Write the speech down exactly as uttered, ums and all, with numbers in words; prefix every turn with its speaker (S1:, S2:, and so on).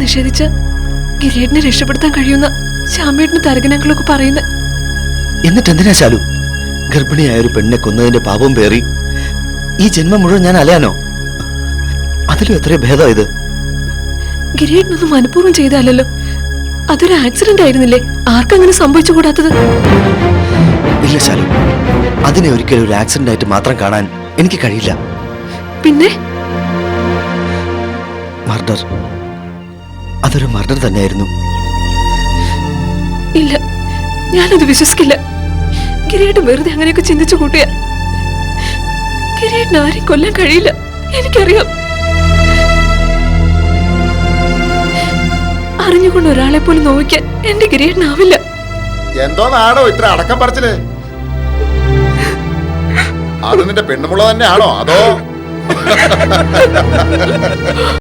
S1: നിഷേധിച്ച ഗിരിയേട്ടനെ രക്ഷപ്പെടുത്താൻ കഴിയുന്ന ശ്യാമേട്ടന് തരകനങ്ങളൊക്കെ പറയുന്നത്.
S2: എന്നിട്ട് എന്തിനാ ശാലു ഗർഭിണിയായ ഒരു പെണ്ണിനെ കൊന്നതിന്റെ പാപം പേറി ഈ ജന്മം മുഴുവൻ ഞാൻ അലയാനോ? അതിലും എത്ര ഭേദം ഇത്.
S1: ഗിരിയേട്ടനൊന്നും മനഃപൂർവ്വം ചെയ്തല്ലോ. അതൊരു ആക്സിഡന്റ് ആയിരുന്നില്ലേ? ആർക്കങ്ങനെ സംഭവിച്ചുകൂടാത്തത്?
S2: ഇല്ല ശാലു, അതിനെ ഒരിക്കലും ഒരു ആക്സിഡന്റ് ആയിട്ട് മാത്രം കാണാൻ എനിക്ക് കഴിയില്ല.
S1: പിന്നെ
S2: മർഡർ, അതൊരു മർഡർ തന്നെയായിരുന്നു.
S1: ഇല്ല, ഞാനത് വിശ്വസിക്കില്ല. ഗിരിയേട്ടൻ വെറുതെ അങ്ങനെയൊക്കെ ചിന്തിച്ചു കൂട്ടിയ. ഗിരിയേട്ടൻ ആരെയും കൊല്ലാൻ കഴിയില്ല, എനിക്കറിയാം. അറിഞ്ഞുകൊണ്ട് ഒരാളെ പോലും നോവിക്കാൻ എന്റെ ഗിരിയേട്ടനാവില്ല.
S3: എന്തോ നാടോ ഇത്ര അടക്കം പറച്ചില്? അത് നിന്റെ പെണ്ണുമുള്ള തന്നെയാണോ അതോ